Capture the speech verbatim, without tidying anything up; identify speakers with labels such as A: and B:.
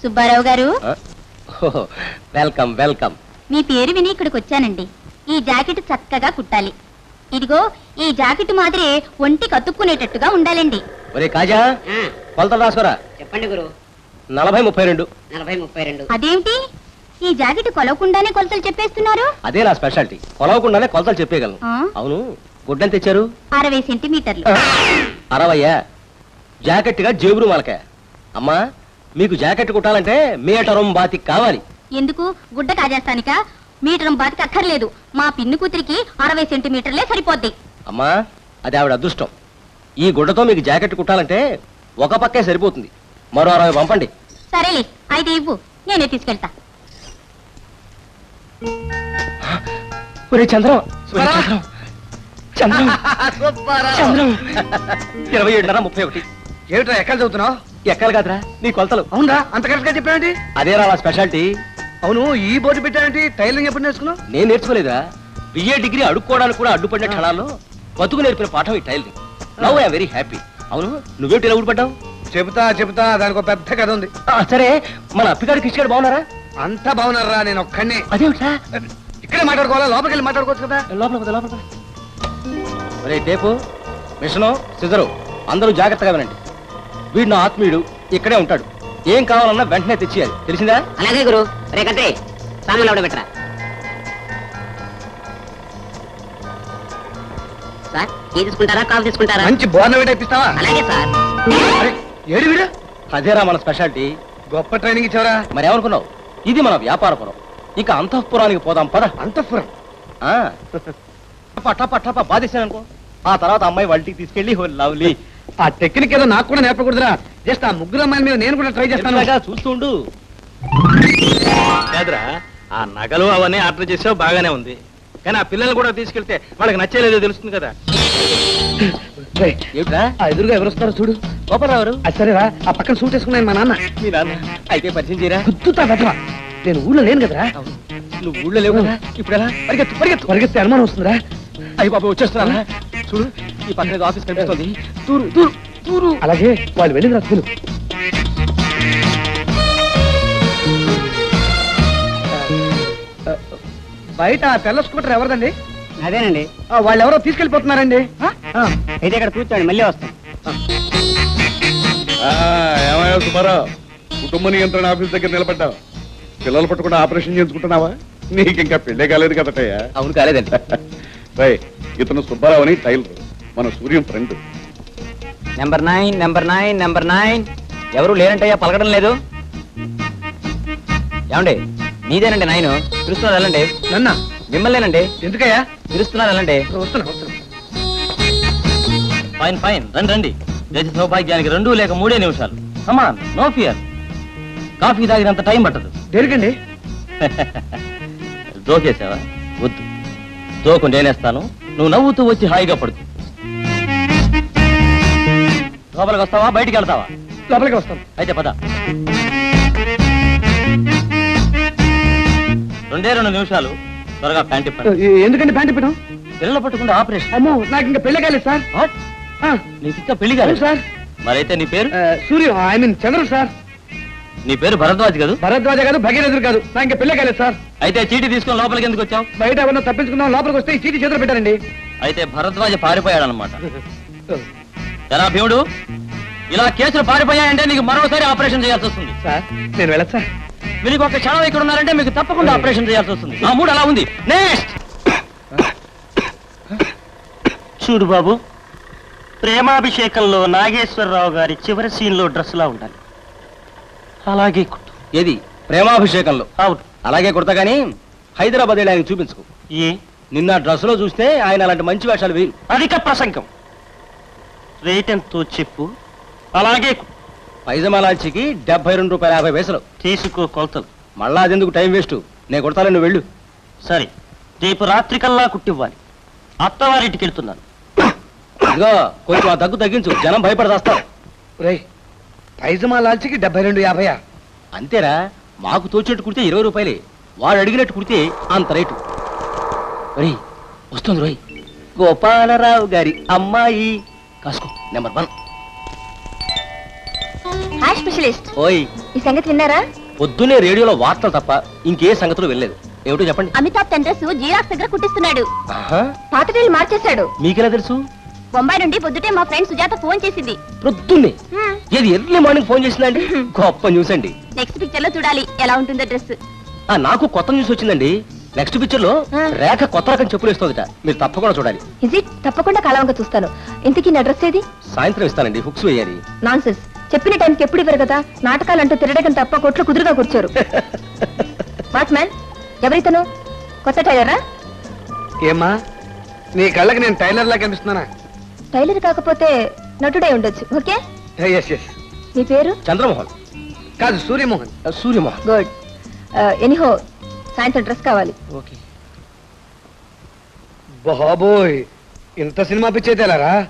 A: సుబ్బారావు గారు,
B: welcome welcome.
A: మీ పేరు విని ఇక్కడికి వచ్చానండి. ఈ జాకెట్ చక్కగా కుట్టాలి. ఇదిగో ఈ జాకెట్ మాదిరి ఒంటి కతుక్కునేటట్టుగా ఉండాలండి.
B: ఒరే కాజా, కొలతలు రాసుకోరా.
C: చెప్పండి గురు.
B: నలభై ముప్పై రెండు.
C: నలభై ముప్పై రెండు.
A: అదేంటి ఈ జాకెట్ కొలవకుండానే కొలతలు చెప్పేస్తున్నారు?
B: అదే నా స్పెషాలిటీ, కొలవకుండానే కొలతలు చెప్పేయగలను.
A: ఆ?
B: అవును, గుడ్డని తెచ్చారు?
A: అరవై సెంటీమీటర్లు.
B: అరవయ్యా? జాకెట్ గా జేబురు మలక. అమ్మా, మీకు జాకెట్ కుట్టాలంటే మీటరం బాతి కావాలి.
A: ఎందుకు? గుడ్డ కాజేస్తానిక? మీటరం బాతికి అక్కర్లేదు. మా పిన్ని కూతురికి అరవై సెంటీమీటర్లే సరిపోద్ది.
B: అమ్మా, అది ఆవిడ అదృష్టం. ఈ గుడ్డతో మీకు జాకెట్ కుట్టాలంటే ఒక పక్కే సరిపోతుంది. మరో అరవై పంపండి.
A: సరేలే, అయితే ఇవ్వు, నేనే తీసుకెళ్తా.
B: ఒరే చంద్రం, చంద్రం, చంద్రం. ఇరవై ఏడున్నర ముప్పై ఒకటి.
D: ఏమిట్రా ఎక్కడ చదువుతున్నావు?
B: ఎక్కలు కాదురా, నీ కొలతలు.
D: అవునా, అంత కరెక్ట్ గా చెప్పావేంటి?
B: అదేరా నా స్పెషాలిటీ.
D: అవును, ఈ బోర్డు పెట్టావేంటి? టైలరింగ్ ఎప్పుడు నేర్చుకున్నావు?
B: నేను నేర్చుకోలేదా? బిఏ డిగ్రీ అడుక్కోవడానికి కూడా అడ్డుపడిన క్షణాల్లో బతుకు నేర్పిన పాఠం ఈ tailoring. Now I am very happy. అవును, నువ్వేమిటి ఇలా ఊడిపడ్డావు?
D: చెబుతా చెబుతా, దానికి ఒక పెద్ద కథ ఉంది.
B: సరే, మన అప్పిగాడు కిష్గాడు బాగున్నారా?
D: అంతా బాగున్నారా? నేను ఒక్కడిని.
B: అదేమిటా?
D: ఇక్కడే మాట్లాడుకోవాలా? లోపలికి వెళ్ళి మాట్లాడుకోవచ్చు కదా.
B: లోపల పద, లోపల పద. ఒరే టేపు, మిషను, సిజరు అందరూ జాగ్రత్తగా వినండి. వీడు నా ఆత్మీయుడు, ఇక్కడే ఉంటాడు. ఏం కావాలన్నా వెంటనే తెచ్చియాలి, తెలిసిందా?
C: అలాగే గురు. రే కత్తి, సామాన్లు ఎవడ పెట్టరా. సార్, టీ తీసుకుంటారా, కాఫీ తీసుకుంటారా?
D: మంచి బోర్నవేట్ ఇప్పిస్తావా?
C: అలాగే సార్.
D: అరే, ఏడు వీడు?
B: అదేరా మన స్పెషాలిటీ.
D: గొప్ప ట్రైనింగ్ ఇచ్చావరా.
B: మరి ఏమనుకున్నావు? ఇది మన వ్యాపారపురం. ఇక అంతఃపురానికి పోదాం పద.
D: అంతఃపురం?
B: టప టప బాధేశాను అనుకో, ఆ తర్వాత అమ్మాయి వాళ్ళకి తీసుకెళ్లి లవ్లీ.
D: ఆ టెక్నిక్ ఏదో నాకు కూడా నేర్పకూడదురా. జస్ట్ ఆ ముగ్గురు అమ్మాయిల మీద నేను కూడా ట్రై చేస్తాను.
B: చూస్తుండు.
E: కాదురా, ఆ నగలు అవన్నీ ఆర్డర్ చేసావు, బాగానే ఉంది. కానీ ఆ పిల్లల్ని కూడా తీసుకెళ్తే వాళ్ళకి నచ్చేలేదో తెలుస్తుంది కదా.
B: ఏమిట్రా?
D: ఆ ఎదురుగా ఎవరు వస్తారో చూడు.
B: గోపరావు.
D: అది సరేరా, ఆ పక్కన సూట్ వేసుకున్నాను మా నాన్న.
B: మీ నాన్న అయితే పరిచయం చేయరా?
D: గుర్తుతా బెటరా. నేను ఊళ్ళో లేను కదరా.
B: నువ్వు ఊళ్ళో లేవు కదా, ఇప్పుడు ఎలా? పరిగెత్తు పరిగెత్తు.
D: పరిగెత్తే అనుమానం వస్తుందిరా.
B: అయ్యి బాబు వచ్చేస్తున్నా. చూడు, ఈ పక్కన ఆఫీస్ కనిపిస్తుంది. తూరు తూరు తూరు.
D: అలాగే, వాళ్ళు వెళ్ళిన రస్తులు. బయట ఆ తెల్ల స్కూటర్ ఎవరిదండి?
C: అదేనండి.
D: వాళ్ళు ఎవరో తీసుకెళ్లిపోతున్నారండి.
C: అయితే ఇక్కడ కూర్చోండి, మళ్ళీ వస్తాం.
F: ఏమయ్యా సుబ్బారావు, కుటుంబ నియంత్రణ ఆఫీస్ దగ్గర నిలబడ్డావు. పిల్లలు పట్టుకుండా ఆపరేషన్ చేయించుకుంటున్నావా? నీకు ఇంకా పెళ్ళే కాలేదు కదటయ్యా.
B: అవును, కాలేదండి.
F: రై, ఇతను సుబ్బారావు అని టైలర్, మన Suryam friend.
E: Number nine, number nine, number nine. ఎవరు లేరంటయ్యా, పలకడం లేదు. ఏమండి, మీదేనండి నైన్. పిలుస్తున్నారు వెళ్ళండి.
D: నన్న
E: మిమ్మల్నేనండి.
D: ఎందుకయ్యా?
E: పిలుస్తున్నారు వెళ్ళండి.
D: వస్తున్నా వస్తున్నా.
B: ఫైన్ ఫైన్, రండి రండి. దేశ సౌభాగ్యానికి రెండు లేక మూడే నిమిషాలు. Come on, no fear. కాఫీ తాగినంత టైం పట్టదు.
D: దేనికండి?
B: జోకేసావా? వద్దు, జోకు నేనేస్తాను. నువ్వు నవ్వుతూ వచ్చి హాయిగా పడుతు. లోపలికి వస్తావా, బయటికి వెళ్తావా?
D: లోపలికి వస్తాను.
B: అయితే పద. రెండే రెండు నిమిషాలు, త్వరగా ప్యాంట్ ఇప్పండి.
D: ఎందుకండి ప్యాంట్ ఇప్పడం?
B: పిల్లలు పట్టుకుంటే ఆపరేషన్.
D: అమ్మో, నాకు ఇంకా పెళ్ళి కాలేదు సార్.
B: నీకు ఇంకా పెళ్లి కాలేదు
D: సార్.
B: మరైతే నీ పేరు?
D: Suryam, I mean Chandrudu sir.
B: నీ పేరు భరద్వాజ్ కాదు?
D: భరద్వాజ కాదు, భగీరథుడు కాదు. నాకు ఇంకా పెళ్ళి కాలేదు సార్.
B: అయితే చీటీ తీసుకొని లోపలికి ఎందుకు వచ్చావు?
D: బయట ఎవరన్నా తప్పించుకుందాం, లోపలికి వస్తే ఈ చీటీ చేతులు పెట్టారండి.
B: అయితే భరద్వాజ పారిపోయాడనమాట. ఎలా భీముడు, ఇలా కేసులు పారిపోయాయంటే నీకు మరోసారి ఆపరేషన్ చేయాల్సి వస్తుంది.
D: సార్, నేను వెళ్ళదు సార్.
B: మీకు ఒక క్షణం ఇక్కడ ఉన్నారంటే మీకు తప్పకుండా ఆపరేషన్ చేయాల్సి వస్తుంది. ఆ మూడు అలా ఉంది. నెక్స్ట్.
G: చూడు బాబు, ప్రేమాభిషేకంలో నాగేశ్వరరావు గారి చివరి సీన్ లో డ్రెస్ లా ఉండాలి. అలాగే కుట్టు.
B: ఏది? ప్రేమాభిషేకంలో?
G: అవును.
B: అలాగే కుడతా గానీ హైదరాబాద్ వెళ్ళి ఆయనకు చూపించుకో.
G: ఏ?
B: నిన్న డ్రెస్ లో చూస్తే ఆయన అలాంటి మంచి వేషాలు వేరు.
G: అధిక ప్రసంగం. రేట్ ఎంతో చెప్పు. అలాగే కుట్టు.
B: పైజమాలాల్చికి డెబ్బై రెండు రూపాయల యాభై పైసలు.
G: తీసుకో కొలతలు.
B: మళ్ళా అదెందుకు టైం వేస్ట్, నేను కొడతాను, నువ్వు వెళ్ళు.
G: సరే, రేపు రాత్రికల్లా కుట్టివ్వాలి. అత్తవారింటికి వెళ్తున్నాను.
B: ఇదిగో కొంచెం ఆ దగ్గు తగ్గించు, జనం భయపడదాస్తారు.
D: రే, పైజమా లాల్చికి డెబ్బై రెండు యాభైయా?
B: అంతేరా, మాకు తోచినట్టు కుడితే ఇరవై రూపాయలే, వాడు అడిగినట్టు కుడితే అంత రేటు. ఒరేయ్, వస్తుంది రోయ్, గోపాలరావు గారి అమ్మాయి. కాసుకో, నెంబర్ వన్.
A: హాయ్ స్పెషలిస్ట్
B: ఓయ్
A: ఈ సంగతి విన్నారా?
B: పొద్దునే రేడియోలో వార్తలు తప్ప ఇంకే సంగతులు వెళ్ళలేదు. ఏమిటో చెప్పండి.
A: అమితాబ్ తన డ్రెస్ జీరాక్స్ దగ్గర కుట్టిస్తున్నాడు.
B: ఆహా,
A: పాత టైల్ మార్చేశాడు.
B: మీకెలా తెలుసు?
A: బొంబాయి నుండి పొద్దుటే మా ఫ్రెండ్ సుజాత ఫోన్ చేసింది.
B: పొద్దున్నే ఏది ఎర్లీ మార్నింగ్ ఫోన్ చేసిందండి? గొప్ప న్యూస్ అండి.
A: నెక్స్ట్ పిక్చర్ లో చూడాలి ఎలా ఉంటుందో డ్రెస్.
B: ఆ, నాకు కొత్త న్యూస్ వచ్చిందండి. నెక్స్ట్ పిక్చర్ లో
A: ఆ.
B: రేఖ కొత్త రకం చెప్పులు వేస్తుందట. మీరు తప్పకుండా చూడాలి.
A: Is it? తప్పకుండా కలవంక చూస్తాను. ఇంతకీ నా డ్రెస్ ఏది?
B: సాయంత్రం ఇస్తానండి, హుక్స్ వేయాలి.
A: నాన్సెన్స్. చెప్పిన టైంకి ఎప్పుడు ఇవ్వరు కదా. నాటకాలంటూ తిరగడం తప్ప కొట్లు కుదురుగా కూర్చోరు. వాట్ మ్యాన్, ఎవరితను? కొత్త టైలరా?
D: ఏమ్మా నీ కళ్ళకి నేను టైలర్ లా కనిపిస్తున్నానా?
A: టైలర్ కాకపోతే నటుడే ఉండొచ్చు. ఓకే.
D: Yes yes.
A: నీ పేరు?
B: చంద్రమోహన్.
D: కాదు సూర్యమోహన్.
B: సూర్యమోహన్.
A: గుడ్. ఎనీహో సాయంత్రం డ్రెస్ కావాలి.
B: ఓకే.
D: బాబోయ్ ఇంత సినిమా పిచ్చి అయితే ఎలారా?